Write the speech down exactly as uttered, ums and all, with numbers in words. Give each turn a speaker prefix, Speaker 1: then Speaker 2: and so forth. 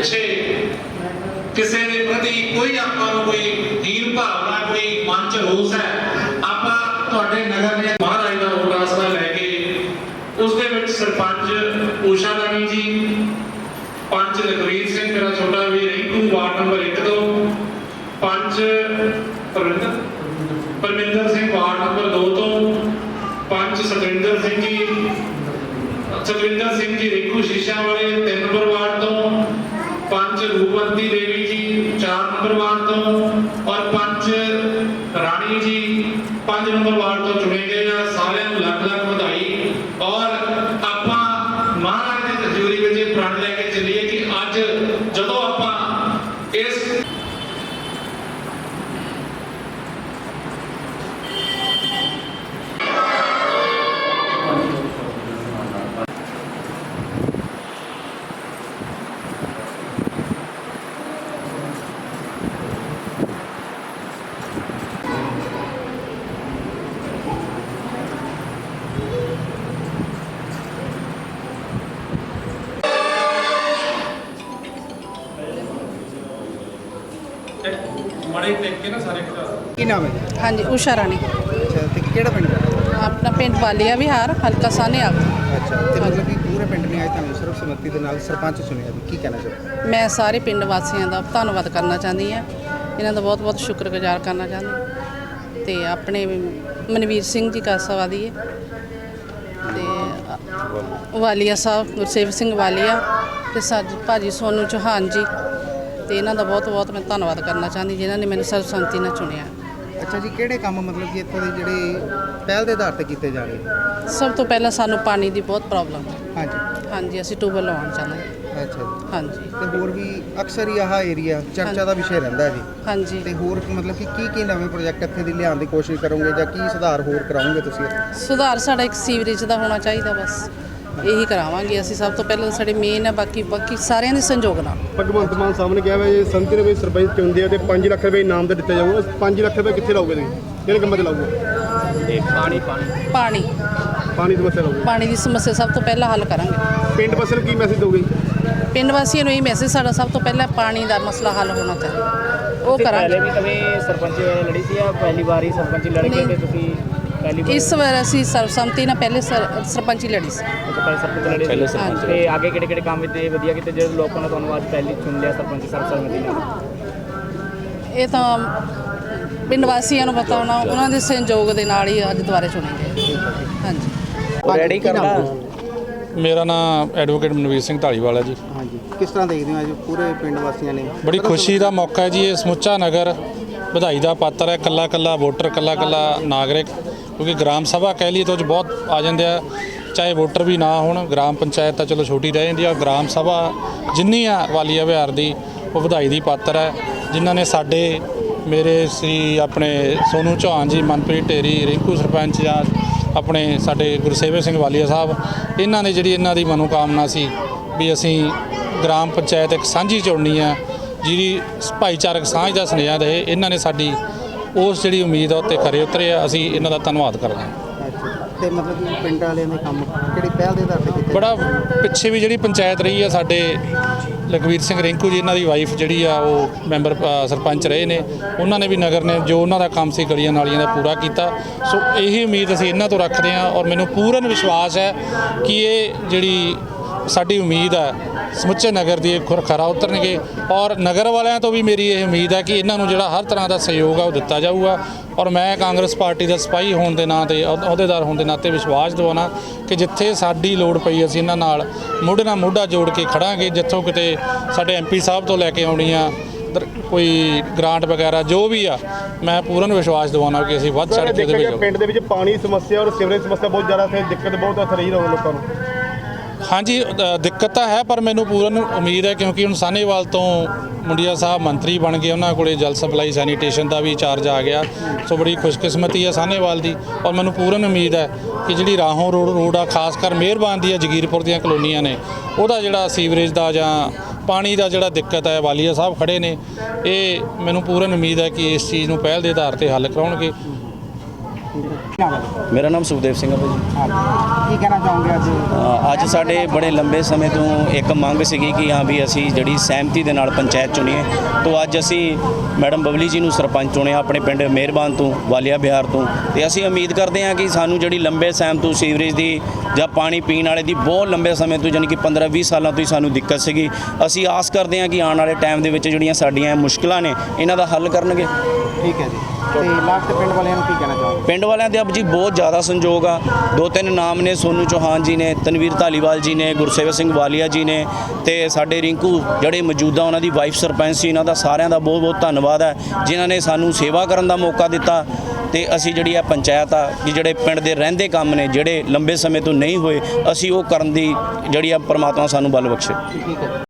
Speaker 1: पिछे किसी के प्रति कोई आपां नूं कोई हीन भावना कोई मन च रोस है आपां तुहाडे नगर ने महाराज दा वोट आसरा लैके उस दे विच सरपंच ऊषा राणी जी पंच लखवीर सिंह मेरा छोटा वीर रिंकू वार्ड नंबर एक दो पंच परमिंदर परमिंदर सिंह वार्ड नंबर दो तो पंच सतविंदर सिंह जी सतविंदर सिंह जी रिंकू शीशा वाले तीन नंबर वार्ड तो पंच रूपवंती देवी जी चार नंबर वार्ड तो और पंच राणी जी पांच नंबर वार्ड तो चुने गए हैं। सारे लख लख बधाई और आपां महाराज की हजूरी में प्रण लेके चलिए कि अज जदों आपां इस माड़े टेक के ना सारे
Speaker 2: ਕੀ ਨਾਮ ਹੈ ਜੀ?
Speaker 3: हाँ जी उषा राणी
Speaker 2: ਅੱਛਾ ਤੇ ਕਿਹੜਾ ਪਿੰਡ ਹੈ?
Speaker 3: अपना पिंड वालिया विहार हल्का सानेआल।
Speaker 2: ਅੱਛਾ ਤੇ ਮਤਲਬ ਕਿ ਪੂਰੇ ਪਿੰਡ ਨੇ ਅੱਜ ਤੁਹਾਨੂੰ ਸਰਬਸੰਮਤੀ ਦੇ ਨਾਲ ਸਰਪੰਚ ਚੁਣਿਆ ਜੀ, ਕੀ ਕਹਿਣਾ ਚਾਹੋਗੇ?
Speaker 3: मैं सारे पिंड वासियों का धन्नवाद करना चाहती हाँ इन्हों का बहुत बहुत शुक्रगुजार करना चाहती तो अपने मनवीर सिंह जी कासावादी है तो वालिया साहब गुरसेवक सिंह वालिया तो सज भाजी सोनू चौहान जी तो इन्हों का बहुत बहुत मैं धन्नवाद करना चाहती जिन्होंने मैंने सर्वसम्मति ਨਾਲ चुनिया।
Speaker 2: ਅੱਛਾ ਜੀ ਕਿਹੜੇ ਕੰਮ ਮਤਲਬ ਕਿ ਇੱਥੋਂ ਦੇ ਜਿਹੜੇ ਪਹਿਲ ਦੇ ਆਧਾਰ ਤੇ ਕੀਤੇ ਜਾ ਰਹੇ?
Speaker 3: सब तो पहला सानू पानी की बहुत प्रॉब्लम है।
Speaker 2: ਹਾਂਜੀ
Speaker 3: हाँ जी असीं ट्यूबवैल लवाउण चाਹੁੰਦੇ ਹਾਂ।
Speaker 2: ਅੱਛਾ ਜੀ
Speaker 3: हाँ जी
Speaker 2: ਤੇ ਹੋਰ ਵੀ ਅਕਸਰ ਹੀ ਆਹ ਏਰੀਆ ਚਰਚਾ ਦਾ ਵਿਸ਼ੇ ਰਹਿੰਦਾ ਹੈ ਜੀ
Speaker 3: हाँ जी
Speaker 2: ਤੇ ਹੋਰ ਮਤਲਬ ਕਿ ਕੀ ਕੀ ਨਵੇਂ ਪ੍ਰੋਜੈਕਟ ਇੱਥੇ ਦੀ ਲਿਆਉਣ ਦੀ ਕੋਸ਼ਿਸ਼ ਕਰੋਗੇ ਜਾਂ ਕੀ ਸੁਧਾਰ ਹੋਰ ਕਰਾਓਗੇ ਤੁਸੀਂ?
Speaker 3: ਸੁਧਾਰ ਸਾਡਾ ਇੱਕ ਸੀਵਰੇਜ ਦਾ ਹੋਣਾ ਚਾਹੀਦਾ ਬਸ ਇਹੀ ਕਰਾਵਾਂਗੇ ਅਸੀਂ। ਸਭ ਤੋਂ ਪਹਿਲਾਂ ਸਾਡੇ ਮੇਨ ਹੈ ਬਾਕੀ ਬਾਕੀ ਸਾਰਿਆਂ ਦੇ ਸੰਯੋਗ ਨਾਲ।
Speaker 4: ਭਗਵੰਤ ਮਾਨ ਸਾਹਿਬ ਨੇ ਕਿਹਾ ਵਾ ਜੇ ਸੰਮਤੀ ਨੇ ਕੋਈ ਸਰਪੰਚ ਚੁਣਦੇ ਆ ਤੇ ਪੰਜ ਲੱਖ ਰੁਪਏ ਇਨਾਮ ਦਾ ਦਿੱਤਾ ਜਾਊਗਾ। ਪੰਜ ਲੱਖ ਰੁਪਏ ਕਿੱਥੇ ਲਾਓਗੇ ਤੁਸੀਂ? ਕਿਹੜੇ ਕੰਮਾਂ 'ਤੇ ਲਾਓਗੇ?
Speaker 3: ਪਾਣੀ
Speaker 4: ਪਾਣੀ ਦੀ ਸਮੱਸਿਆ ਲਾਓਗੇ?
Speaker 3: ਪਾਣੀ ਦੀ ਸਮੱਸਿਆ ਸਭ ਤੋਂ ਪਹਿਲਾਂ ਹੱਲ ਕਰਾਂਗੇ।
Speaker 4: ਪਿੰਡ ਵਾਸੀਆਂ ਨੂੰ ਕੀ ਮੈਸੇਜ ਦੋਗੇ?
Speaker 3: ਪਿੰਡ ਵਾਸੀਆਂ ਨੂੰ ਇਹ ਮੈਸੇਜ ਸਾਡਾ ਸਭ ਤੋਂ ਪਹਿਲਾਂ ਪਾਣੀ ਦਾ ਮਸਲਾ ਹੱਲ ਹੋਣਾ ਚਾਹੀਦਾ ਉਹ ਕਰਾਂਗੇ।
Speaker 5: ਪਹਿਲੇ ਵੀ ਕਦੇ ਸਰਪੰਚ ਲੜੀ ਸੀ ਜਾਂ ਪਹਿਲੀ ਵਾਰ ਹੀ ਸਰਪੰਚ ਲੜ ਕੇ ਤੇ ਤੁਸੀਂ ਪਹਿਲੀ ਵਾਰ?
Speaker 3: ਇਸ ਵਾਰ ਅਸੀਂ ਸਰਬਸੰਮਤੀ ਨਾਲ ਪਹਿਲੇ ਸਰ- ਸਰਪੰਚੀ ਲੜੀ ਸੀ।
Speaker 5: ਪਹਿਲੇ ਸਰਪੰਚ ਲੜੇ ਪਹਿਲੇ ਸਰਪੰਚ ਤੇ ਅੱਗੇ ਕਿਹੜੇ ਕਿਹੜੇ ਕੰਮ ਇੱਥੇ ਵਧੀਆ ਕੀਤੇ ਜਿਹੜੇ ਲੋਕਾਂ ਨੇ ਤੁਹਾਨੂੰ ਅੱਜ ਪਹਿਲੀ ਚੁਣ ਲਿਆ ਸਰਪੰਚ ਸਰਬਸੰਮਤੀ ਨਾਲ?
Speaker 3: ਇਹ ਤਾਂ ਪਿੰਡ ਵਾਸੀਆਂ ਨੂੰ ਪਤਾ ਹੋਣਾ ਉਹਨਾਂ ਦੇ ਸੰਯੋਗ ਦੇ ਨਾਲ ਹੀ ਅੱਜ ਦੁਬਾਰਾ ਚੁਣੇ ਗਏ। ਹਾਂਜੀ
Speaker 5: ਰੈਡੀ ਕਰਨਾ।
Speaker 6: ਮੇਰਾ ਨਾਮ ਐਡਵੋਕੇਟ ਮਨਵੀਰ ਸਿੰਘ ਢਾਲੀਵਾਲ ਹੈ ਜੀ।
Speaker 2: ਹਾਂਜੀ ਕਿਸ ਤਰ੍ਹਾਂ ਦੇਖਦੇ ਹੋ ਅੱਜ ਪੂਰੇ ਪਿੰਡ ਵਾਸੀਆਂ ਨੇ?
Speaker 6: ਬੜੀ ਖੁਸ਼ੀ ਦਾ ਮੌਕਾ ਹੈ ਜੀ। ਇਹ ਸਮੁੱਚਾ ਨਗਰ ਵਧਾਈ ਦਾ ਪਾਤਰ ਹੈ। ਕੱਲਾ ਕੱਲਾ ਵੋਟਰ ਕੱਲਾ ਕੱਲਾ ਨਾਗਰਿਕ, ਕਿਉਂਕਿ ਗ੍ਰਾਮ ਸਭਾ ਕਹਿ ਲਈ ਤਾਂ ਉਹ 'ਚ ਬਹੁਤ ਆ ਜਾਂਦੇ ਆ, ਚਾਹੇ ਵੋਟਰ ਵੀ ਨਾ ਹੋਣ। ਗ੍ਰਾਮ ਪੰਚਾਇਤ ਤਾਂ ਚਲੋ ਛੋਟੀ ਰਹਿ ਜਾਂਦੀ ਆ, ਗ੍ਰਾਮ ਸਭਾ ਜਿੰਨੀ ਆ ਵਾਲੀਆ ਵਿਹਾਰ ਦੀ ਉਹ ਵਧਾਈ ਦੀ ਪਾਤਰ ਹੈ। ਜਿਨ੍ਹਾਂ ਨੇ ਸਾਡੇ ਮੇਰੇ ਸ੍ਰੀ ਆਪਣੇ ਸੋਨੂ ਚੌਹਾਨ ਜੀ, ਮਨਪ੍ਰੀਤ ਢੇਰੀ, ਰਿੰਕੂ ਸਰਪੰਚ ਜਾਂ ਆਪਣੇ ਸਾਡੇ ਗੁਰਸੇਵਕ ਸਿੰਘ ਵਾਲੀਆ ਸਾਹਿਬ, ਇਹਨਾਂ ਨੇ ਜਿਹੜੀ ਇਹਨਾਂ ਦੀ ਮਨੋਕਾਮਨਾ ਸੀ ਵੀ ਅਸੀਂ ਗ੍ਰਾਮ ਪੰਚਾਇਤ ਇੱਕ ਸਾਂਝੀ ਚੁਣਨੀ ਆ ਜਿਹਦੀ ਭਾਈਚਾਰਕ ਸਾਂਝ ਦਾ ਸੁਨੇਹਾ ਦੇ, ਇਹਨਾਂ ਨੇ ਸਾਡੀ ਉਸ ਜਿਹੜੀ ਉਮੀਦ ਆ ਉੱਤੇ ਖਰੇ ਉਤਰੇ ਆ। ਅਸੀਂ ਇਹਨਾਂ ਦਾ ਧੰਨਵਾਦ ਕਰਦੇ ਹਾਂ।
Speaker 2: ਅੱਛਾ ਤੇ ਮਤਲਬ ਕਿ ਪਿੰਡ ਵਾਲਿਆਂ ਦੇ ਕੰਮ ਕਿਹੜੀ ਪਹਿਲ ਦੇ ਆਧਾਰ ਤੇ ਕੀਤੇ?
Speaker 6: ਬੜਾ ਪਿੱਛੇ ਵੀ ਜਿਹੜੀ ਪੰਚਾਇਤ ਰਹੀ ਆ ਸਾਡੇ ਲਖਵੀਰ ਸਿੰਘ ਰਿੰਕੂ ਜੀ, ਇਹਨਾਂ ਦੀ ਵਾਈਫ ਜਿਹੜੀ ਆ ਉਹ ਮੈਂਬਰ ਅ, ਸਰਪੰਚ ਰਹੇ ਨੇ, ਉਹਨਾਂ ਨੇ ਵੀ ਨਗਰ ਨੇ ਜੋ ਉਹਨਾਂ ਦਾ ਕੰਮ ਸੀ ਗਲੀਆਂ ਨਾਲੀਆਂ ਦਾ ਪੂਰਾ ਕੀਤਾ। ਸੋ ਇਹੀ ਉਮੀਦ ਅਸੀਂ ਇਹਨਾਂ ਤੋਂ ਰੱਖਦੇ ਹਾਂ ਔਰ ਮੈਨੂੰ ਪੂਰਨ ਵਿਸ਼ਵਾਸ ਹੈ ਕਿ ਇਹ ਜਿਹੜੀ ਸਾਡੀ ਉਮੀਦ ਹੈ ਸਮੁੱਚੇ ਨਗਰ ਦੀ ਖੁਰ ਖਰਾ ਉਤਰਨਗੇ। ਔਰ ਨਗਰ ਵਾਲਿਆਂ ਤੋਂ ਵੀ ਮੇਰੀ ਇਹ ਉਮੀਦ ਹੈ ਕਿ ਇਹਨਾਂ ਨੂੰ ਜਿਹੜਾ ਹਰ ਤਰ੍ਹਾਂ ਦਾ ਸਹਿਯੋਗ ਆ ਉਹ ਦਿੱਤਾ ਜਾਊਗਾ। ਔਰ ਮੈਂ ਕਾਂਗਰਸ ਪਾਰਟੀ ਦਾ ਸਿਪਾਹੀ ਹੋਣ ਦੇ ਨਾਂ ਤੇ, ਅਹੁਦੇਦਾਰ ਹੋਣ ਦੇ ਨਾਤੇ ਵਿਸ਼ਵਾਸ ਦਿਵਾਉਣਾ ਕਿ ਜਿੱਥੇ ਸਾਡੀ ਲੋੜ ਪਈ ਅਸੀਂ ਇਹਨਾਂ ਨਾਲ ਮੋਢੇ ਨਾਲ ਮੋਢਾ ਜੋੜ ਕੇ ਖੜਾਂਗੇ। ਜਿੱਥੋਂ ਕਿਤੇ ਸਾਡੇ ਐਮ ਪੀ ਸਾਹਿਬ ਤੋਂ ਲੈ ਕੇ ਆਉਣੀ ਆ ਕੋਈ ਗ੍ਰਾਂਟ ਵਗੈਰਾ ਜੋ ਵੀ ਆ, ਮੈਂ ਪੂਰਨ ਵਿਸ਼ਵਾਸ ਦਿਵਾਉਣਾ ਕਿ ਅਸੀਂ ਵੱਧ ਚੜ੍ਹ ਕੇ ਉਹਦੇ ਵਿੱਚ।
Speaker 4: ਪਿੰਡ ਦੇ ਵਿੱਚ ਪਾਣੀ ਸਮੱਸਿਆ ਔਰ ਸੀਵਰੇਜ ਸਮੱਸਿਆ ਬਹੁਤ ਜ਼ਿਆਦਾ ਹੈ, ਦਿੱਕਤ ਬਹੁਤ ਆ ਰਹੀ ਰਹੇ ਲੋਕਾਂ ਨੂੰ।
Speaker 6: ਹਾਂਜੀ ਅ, ਦਿੱਕਤ ਤਾਂ ਹੈ ਪਰ ਮੈਨੂੰ ਪੂਰਨ ਉਮੀਦ ਹੈ ਕਿਉਂਕਿ ਹੁਣ ਸਾਹਨੇਵਾਲ ਤੋਂ ਮੁੰਡਿਆ ਸਾਹਿਬ ਮੰਤਰੀ ਬਣ ਗਏ, ਉਹਨਾਂ ਕੋਲੇ ਜਲ ਸਪਲਾਈ ਸੈਨੀਟੇਸ਼ਨ ਦਾ ਵੀ ਚਾਰਜ ਆ ਗਿਆ। ਸੋ ਬੜੀ ਖੁਸ਼ਕਿਸਮਤੀ ਹੈ ਸਾਹਨੇਵਾਲ ਦੀ। ਔਰ ਮੈਨੂੰ ਪੂਰਨ ਉਮੀਦ ਹੈ ਕਿ ਜਿਹੜੀ ਰਾਹੋਂ ਰੋਡ ਰੋਡ ਆ, ਖਾਸ ਕਰ ਮਿਹਰਬਾਨ ਦੀਆਂ ਜਗੀਰਪੁਰ ਦੀਆਂ ਕਲੋਨੀਆਂ ਨੇ, ਉਹਦਾ ਜਿਹੜਾ ਸੀਵਰੇਜ ਦਾ ਜਾਂ ਪਾਣੀ ਦਾ ਜਿਹੜਾ ਦਿੱਕਤ ਹੈ, ਵਾਲੀਆ ਸਾਹਿਬ ਖੜੇ ਨੇ, ਇਹ ਮੈਨੂੰ ਪੂਰਨ ਉਮੀਦ ਹੈ ਕਿ ਇਸ ਚੀਜ਼ ਨੂੰ ਪਹਿਲ ਦੇ ਆਧਾਰ ਤੇ ਹੱਲ ਕਰਾਉਣਗੇ।
Speaker 2: ਨਾਮ ਹੈ?
Speaker 7: ਮੇਰਾ ਨਾਮ ਸੁਖਦੇਵ ਸਿੰਘ ਹੈ ਭਾਜੀ।
Speaker 2: ਹਾਂ, ਕੀ ਕਹਿਣਾ ਚਾਹੋਗੇ ਅੱਜ?
Speaker 7: ਅ, ਅੱਜ ਸਾਡੇ ਬੜੇ ਲੰਬੇ ਸਮੇਂ ਤੋਂ ਇੱਕ ਮੰਗ ਸੀਗੀ ਕਿ ਹਾਂ ਵੀ ਅਸੀਂ ਜਿਹੜੀ ਸਹਿਮਤੀ ਦੇ ਨਾਲ ਪੰਚਾਇਤ ਚੁਣੀਏ, ਤੋਂ ਅੱਜ ਅਸੀਂ ਮੈਡਮ ਬਬਲੀ ਜੀ ਨੂੰ ਸਰਪੰਚ ਚੁਣਿਆ ਆਪਣੇ ਪਿੰਡ ਮਿਹਰਬਾਨ ਤੋਂ, ਵਾਲੀਆ ਬਿਹਾਰ ਤੋਂ। ਤੇ ਅਸੀਂ ਉਮੀਦ ਕਰਦੇ ਹਾਂ ਕਿ ਸਾਨੂੰ ਜਿਹੜੀ ਲੰਬੇ ਸੈਮ ਤੋਂ ਸੀਵਰੇਜ ਦੀ ਜਾਂ ਪਾਣੀ ਪੀਣ ਵਾਲੇ ਦੀ ਬਹੁਤ ਲੰਬੇ ਸਮੇਂ ਤੋਂ ਯਾਨੀ ਕਿ ਪੰਦਰਾਂ ਵੀਹ ਸਾਲਾਂ ਤੋਂ ਹੀ ਸਾਨੂੰ ਦਿੱਕਤ ਸੀਗੀ। ਅਸੀਂ ਆਸ ਕਰਦੇ ਹਾਂ ਕਿ ਆਉਣ ਵਾਲੇ ਟਾਈਮ ਦੇ ਵਿੱਚ ਜਿਹੜੀਆਂ ਸਾਡੀਆਂ ਮੁਸ਼ਕਲਾਂ ਨੇ ਇਹਨਾਂ ਦਾ ਹੱਲ ਕਰਨਗੇ।
Speaker 2: ਠੀਕ ਹੈ ਜੀ, ਤੇ ਲਾਸਟ ਪਿੰਡ ਵਾਲਿਆਂ ਨੂੰ ਕੀ ਕਹਿਣਾ ਚਾਹੋਗੇ?
Speaker 7: ਪਿੰਡ ਵਾਲਿਆਂ ਦੇ ਅਬ ਜੀ ਬਹੁਤ ਜ਼ਿਆਦਾ ਸੰਯੋਗ ਆ। ਦੋ ਤਿੰਨ ਨਾਮ ਨੇ, ਸੋਨੂ ਚੌਹਾਨ ਜੀ ਨੇ, ਤਨਵੀਰ ਧਾਲੀਵਾਲ ਜੀ ਨੇ, ਗੁਰਸੇਵਕ ਸਿੰਘ ਵਾਲੀਆ ਜੀ ਨੇ, ਤੇ ਸਾਡੇ ਰਿੰਕੂ ਜਿਹੜੇ ਮੌਜੂਦਾ ਉਹਨਾਂ ਦੀ ਵਾਈਫ ਸਰਪੰਚ ਸੀ। ਇਹਨਾਂ ਦਾ ਸਾਰਿਆਂ ਦਾ ਬਹੁਤ ਬਹੁਤ ਧੰਨਵਾਦ ਹੈ ਜਿਨ੍ਹਾਂ ਨੇ ਸਾਨੂੰ ਸੇਵਾ ਕਰਨ ਦਾ ਮੌਕਾ ਦਿੱਤਾ। ਤੇ ਅਸੀਂ ਜਿਹੜੀ ਆ ਪੰਚਾਇਤ ਆ ਕਿ ਜਿਹੜੇ ਪਿੰਡ ਦੇ ਰਹਿੰਦੇ ਕੰਮ ਨੇ ਜਿਹੜੇ ਲੰਬੇ ਸਮੇਂ ਤੋਂ ਨਹੀਂ ਹੋਏ, ਅਸੀਂ ਉਹ ਕਰਨ ਦੀ ਜਿਹੜੀ ਆ ਪਰਮਾਤਮਾ ਸਾਨੂੰ ਬਲ ਬਖਸ਼ੇ।
Speaker 2: ਠੀਕ ਹੈ।